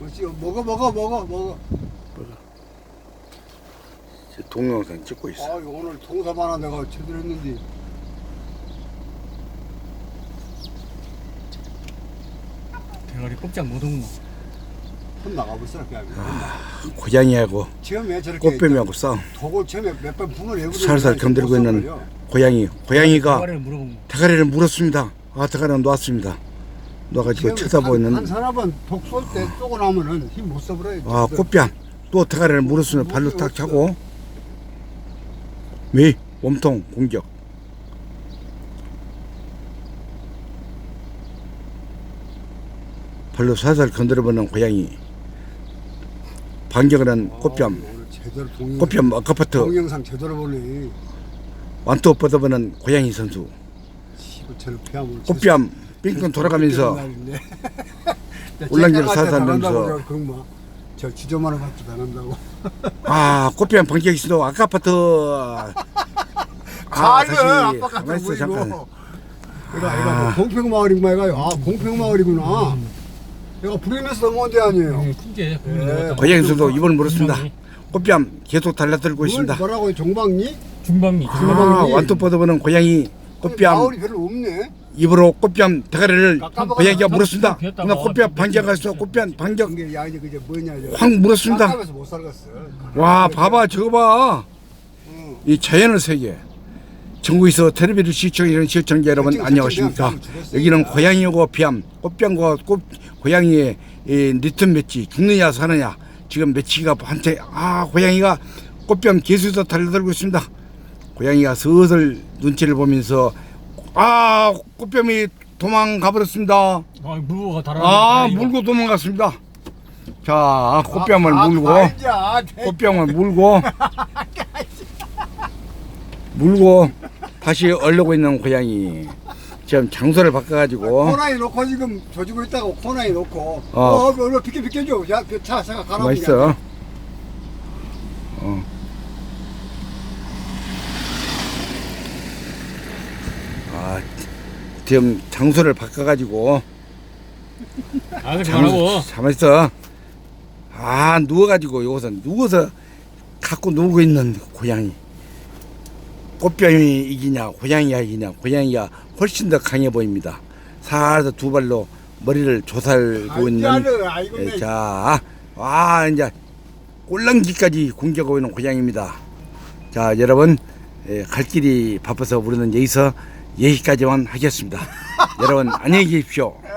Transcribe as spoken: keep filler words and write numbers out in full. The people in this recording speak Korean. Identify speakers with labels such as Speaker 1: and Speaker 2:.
Speaker 1: 그렇지. 먹어 먹어 먹어 먹어.
Speaker 2: 동영상 찍고 있어.
Speaker 1: 아 오늘 동섭 하나 내가 제대로 했는데.
Speaker 3: 대가리 꼼짝 못하고.
Speaker 1: 혼 나가버렸어 그냥.
Speaker 2: 아, 고양이하고
Speaker 1: 처음에 저렇게
Speaker 2: 꽃뱀이하고 싸움.
Speaker 1: 독을 처음에 몇 번 분을 내버려.
Speaker 2: 살살 건드리고 있는 고양이. 고양이가
Speaker 3: 대가리를 물어본 거.
Speaker 2: 대가리를 물었습니다. 아, 대가리는 놓았습니다. 놓아가지고 쳐다보고
Speaker 1: 한
Speaker 2: 있는.
Speaker 1: 사람은 독 쏠 때 쏘고 나면은 힘 못 써버려요.
Speaker 2: 아, 꽃뱀. 또 대가리를 물었으면 발로 딱 차고. 미 몸통 공격. 발로 살살 건드려보는 고양이. 반격을 한 꽃뱀.
Speaker 1: 오늘 제대로 동
Speaker 2: 꽃뱀 아까부터
Speaker 1: 동영상 제대로 보네.
Speaker 2: 완투 뻗어보는 고양이 선수.
Speaker 1: 시부처럼 폐암을.
Speaker 2: 꽃뱀 빙빙 돌아가면서 울랑기를 살살 넣으면서.
Speaker 1: 저 지저만한 것도 당한다고.
Speaker 2: 아, 꽃뱀 반격이 있어도 아까부터. 아,
Speaker 1: 잘해,
Speaker 2: 다시
Speaker 1: 아빠 같은
Speaker 2: 가만히 있어
Speaker 1: 보이고.
Speaker 2: 잠깐.
Speaker 1: 얘가 얘가 뭐 공평마을인가 얘가 아 공평마을이구나. 얘가 부르면서 넘어온 데 아니에요.
Speaker 3: 응, 큰게.
Speaker 1: 예.
Speaker 2: 고양이 선수 입을 물었습니다. 꽃뱀 계속 달라들고 있습니다.
Speaker 1: 뭐라고 종방리?
Speaker 3: 중방리.
Speaker 2: 아,
Speaker 1: 중방리.
Speaker 2: 완투 뻗어보는 고양이 꽃뱀
Speaker 1: 마을이 별로 없네.
Speaker 2: 입으로 꽃뱀 대가리를
Speaker 1: 깎아먹어.
Speaker 2: 고양이가 물었습니다.
Speaker 3: 비었다가
Speaker 2: 그러나 꽃뱀 반격해서 꽃뱀 반격
Speaker 1: 이게 야 이제 그게 뭐냐 이제.
Speaker 2: 확 물었습니다.
Speaker 1: 깎아면서 못 살겠어.
Speaker 2: 와, 봐봐, 저거 봐.
Speaker 1: 응.
Speaker 2: 이 자연의 세계. 전국에서 텔레비를 시청하는 시청자 여러분
Speaker 1: 그치,
Speaker 2: 안녕하십니까?
Speaker 1: 그치, 그치.
Speaker 2: 여기는 고양이고 뱀, 꽃뱀과 꽃 고양이의 이 리턴 매치 죽느냐 사느냐. 지금 매치가 한테 아 고양이가 꽃뱀 개수에서 달려들고 있습니다. 고양이가 슬슬 눈치를 보면서 아 꽃뱀이 도망가 버렸습니다.
Speaker 3: 아, 물고가 달아.
Speaker 2: 아 물고 도망갔습니다. 자 꽃뱀을
Speaker 1: 아,
Speaker 2: 물고
Speaker 1: 아, 이제, 아, 대-
Speaker 2: 꽃병을 물고 물고 다시 얼려고 있는 고양이. 지금 장소를 바꿔가지고
Speaker 1: 코나에 놓고 지금 조지고 있다고 코나에 놓고.
Speaker 2: 어.
Speaker 1: 어, 얼른 비켜 비켜줘. 야, 그 차, 차가 가라.
Speaker 2: 맛있어. 어. 아 지금 장소를 바꿔가지고
Speaker 3: 아, 그러지 말라고.
Speaker 2: 잠있어. 아 누워가지고 여기서 누워서 갖고 누우고 있는 고양이. 꽃뱀이 이기냐 고양이가 이기냐. 고양이가 훨씬 더 강해 보입니다. 살살 두 발로 머리를 조살고 있는.
Speaker 1: 아이고,
Speaker 2: 예,
Speaker 1: 내
Speaker 2: 자, 와 이제 꼴랑기까지 공격하고 있는 고양이입니다. 자 여러분 예, 갈 길이 바빠서 우리는 여기서 여기까지만 하겠습니다. 여러분 안녕히 계십시오.